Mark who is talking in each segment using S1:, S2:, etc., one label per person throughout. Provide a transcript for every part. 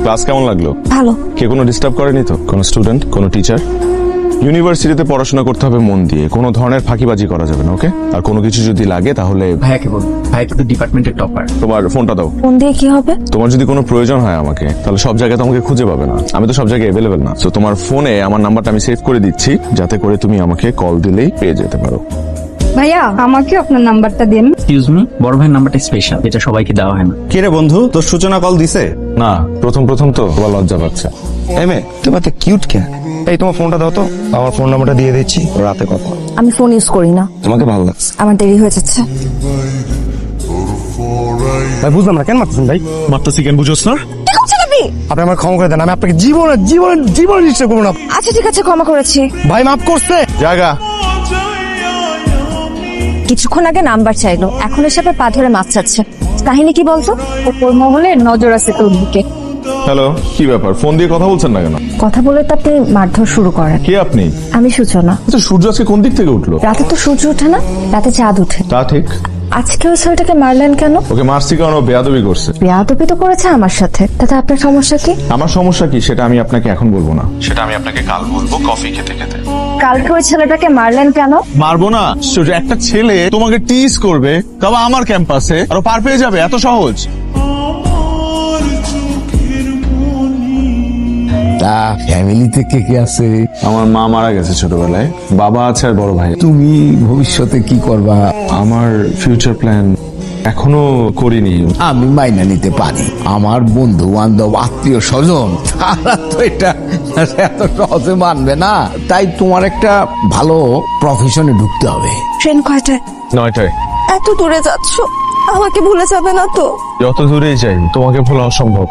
S1: Class কেমন লাগলো?
S2: ভালো।
S1: কে কোনো ডিস্টার্ব করেনি তো? কোনো স্টুডেন্ট, কোনো টিচার? ইউনিভার্সিটিতে পড়াশোনা করতে হবে মন দিয়ে, কোনো ধরনের ফাঁকিবাজি করা যাবে না, ওকে? আর কোনো কিছু যদি লাগে তাহলে
S3: ভাইয়াকে বল, ভাই কিন্তু ডিপার্টমেন্টের টপার।
S1: তোমার ফোনটা দাও।
S2: ফোন দিয়ে কি হবে?
S1: তোমার যদি কোনো প্রয়োজন হয় আমাকে, তাহলে সব জায়গায় তোমাকে খুঁজে পাবে না, আমি তো সব জায়গায় অ্যাভেলেবেল না। তো তোমার ফোনে আমার নাম্বারটা আমি সেভ করে দিচ্ছি, যাতে করে তুমি আমাকে কল দিলেই পেয়ে যেতে পারো।
S4: ভাইয়া আমাকে আপনার নাম্বারটা দিন।
S3: এক্সকিউজ মি, বড় ভাইয়ের নাম্বারটা স্পেশাল, এটা সবাইকে দেওয়া হয় না।
S5: কে রে বন্ধু, তোর সূচনা কল দিছে?
S1: না, প্রথম তো তোমার লজ্জা পাচ্ছে।
S5: এমে তোমার তো কিউট কে? এই তোমার ফোনটা দাও তো, আমার ফোন নাম্বারটা দিয়ে দিচ্ছি, রাতে কথা।
S2: আমি ফোন ইউজ করি না।
S5: তোমাকে ভালো লাগছে?
S2: আমার দেরি হয়ে যাচ্ছে।
S5: ভাই বুঝলাম না, কেন মারতেছেন ভাই?
S1: মারতেছি কেন বুঝোস না?
S5: আপনি আমার ক্ষমা করে দেন, আমি আপনাকে জীবনে নিশ্চয় করবো না।
S2: আচ্ছা ঠিক আছে, ক্ষমা করেছি।
S5: ভাই মাফ করছে।
S1: জায়গা
S2: কিছুক্ষণ আগে নাম্বার চাইলো, এখন এসে আবার পা ধরে মাছ চাচ্ছে। কাহিনী কি বলতো?
S4: ওপর মহলে নজর আছে তোর দিকে।
S1: হ্যালো, কি ব্যাপার? ফোন দিয়ে কথা বলছেন না কেন?
S2: কথা বলে তো আপনি মারধর শুরু করেন।
S1: কে আপনি?
S2: আমি সূচনা।
S1: আচ্ছা, সূর্য আজকে কোন দিক থেকে উঠলো?
S2: রাতে তো সূর্য ওঠে না, রাতে চাঁদ ওঠে।
S1: তা ঠিক।
S2: আজকে ওই ছেলেটাকে মারলেন কেন?
S1: ওকে মারছি কারণ ও বেয়াদবি করছে।
S2: বেয়াদবি তো করেছে আমার সাথে, তাতে আপনার সমস্যা কি?
S1: আমার সমস্যা কি সেটা আমি আপনাকে এখন বলবো না, সেটা আমি আপনাকে কাল বলবো কফি খেতে খেতে।
S2: কালকে ওই ছেলেটাকে মারলেন কেন?
S6: মারবো না? সূর্য, একটা ছেলে তোমাকে টিজ করবে, তবে আমার ক্যাম্পাসে, আর ও পার পেয়ে যাবে, এত সহজ?
S7: তা ফ্যামিলিতে কে কে আছে?
S1: আমার মা মারা গেছে ছোটবেলায়, বাবা আছে আর বড় ভাই।
S7: তুমি ভবিষ্যতে কি করবা?
S1: আমার ফিউচার প্ল্যান এখনো করিনি।
S7: আমি মাইনা নিতে পারি, আমার বন্ধু বান্ধব আত্মীয় স্বজন তারা তো এটা এত সহজে মানবে না। তাই তোমার একটা ভালো প্রফেশনে ঢুকতে হবে।
S2: ট্রেন কয়টায়?
S1: 9টায়।
S2: এত দূরে যাচ্ছ, আমাকে ভুলে যাবে না তো?
S1: যত দূরেই যাই তোমাকে ভোলা অসম্ভব।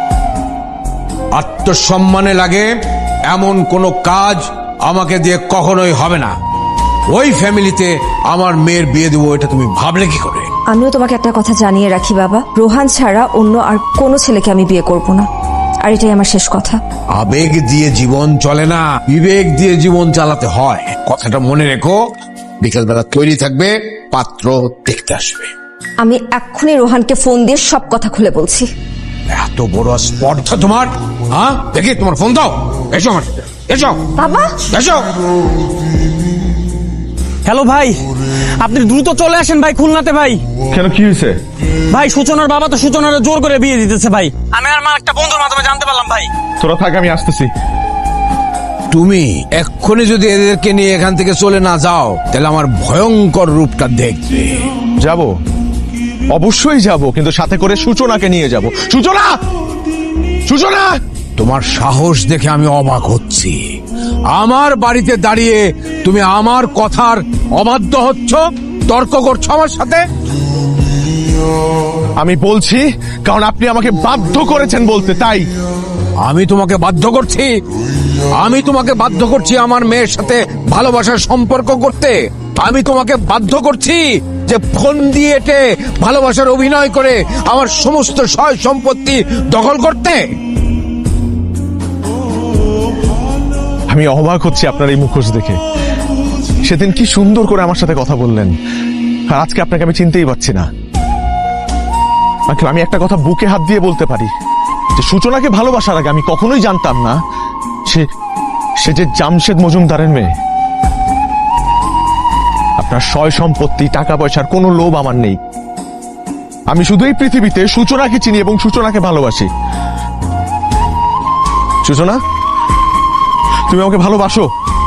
S8: আত্মসম্মানে লাগে এমন কোনো কাজ আমাকে দিয়ে কখনোই হবে না। ওই ফ্যামিলিতে আমার মেয়ের বিয়ে দেবো, এটা তুমি ভাবলে কি করে?
S2: আমিও তোমাকে একটা কথা জানিয়ে রাখি বাবা, রোহান ছাড়া অন্য আর কোনো ছেলেকে আমি বিয়ে করব না, আর এটাই আমার শেষ কথা।
S8: আবেগ দিয়ে জীবন চলে না, বিবেক দিয়ে জীবন চালাতে হয়, কথাটা মনে রেখো। বিকেলবেলা তৈরি থাকবে, পাত্র দেখতে আসবে।
S2: আমি এক্ষুনি রোহানকে ফোন দিয়ে সব কথা খুলে বলছি।
S8: এত বড় স্পর্ধা তোমার? হ্যাঁ, দেখি তোমার ফোন দাও। এসো আমার সাথে, এসো
S2: বাবা।
S8: এসো।
S3: হ্যালো ভাই, আপনি দ্রুত চলে আসেন ভাই, খুলনাতে ভাই।
S1: কেন, কি হয়েছে?
S3: ভাই সূচনার বাবা তো সূচনার জোর করে বিয়ে দিতেছে ভাই, আমি আর মা একটা বন্ধুর মাধ্যমে জানতে পারলাম ভাই।
S1: তোরা থাক, আমি আসতেছি।
S8: তুমি এক্ষুনি যদি এদেরকে নিয়ে এখান থেকে চলে না যাও, তাহলে আমার ভয়ঙ্কর রূপটা দেখবে।
S6: যাব, অবশ্যই যাব, কিন্তু সাথে করে সূচনাকে নিয়ে যাব। সূচনা, সূচনা!
S8: তোমার সাহস দেখে আমি অবাক হচ্ছি। আমার বাড়িতে দাঁড়িয়ে তুমি আমার কথার অবাধ্য হচ্ছ, তর্ক করছো আমার সাথে।
S6: আমি বলছি কারণ আপনি আমাকে বাধ্য করেছেন বলতে, তাই।
S8: আমি তোমাকে বাধ্য করছি? আমি তোমাকে বাধ্য করছি আমার মেয়ের সাথে ভালোবাসার সম্পর্ক করতে? আমি তোমাকে বাধ্য করছি যে ফোন দিয়ে এটে ভালোবাসার অভিনয় করে আমার সমস্ত সয় সম্পত্তি দখল করতে?
S6: আমি অবাক হচ্ছি আপনার এই মুখোশ দেখে। সেদিন কি সুন্দর করে আমার সাথে কথা বললেন, আর আজকে আপনাকে আমি চিনতেই পারছি না। আমি একটা কথা বুকে হাত দিয়ে বলতে পারি, যে সূচনাকে ভালোবাসার আগে আমি কখনোই জানতাম না সে যে জামশেদ মজুমদারের মেয়ে। আপনার সয় সম্পত্তি, টাকা পয়সার কোনো লোভ আমার নেই। আমি শুধু এই পৃথিবীতে সূচনাকে চিনি এবং সূচনাকে ভালোবাসি। সূচনা, তুমি আমাকে ভালোবাসো?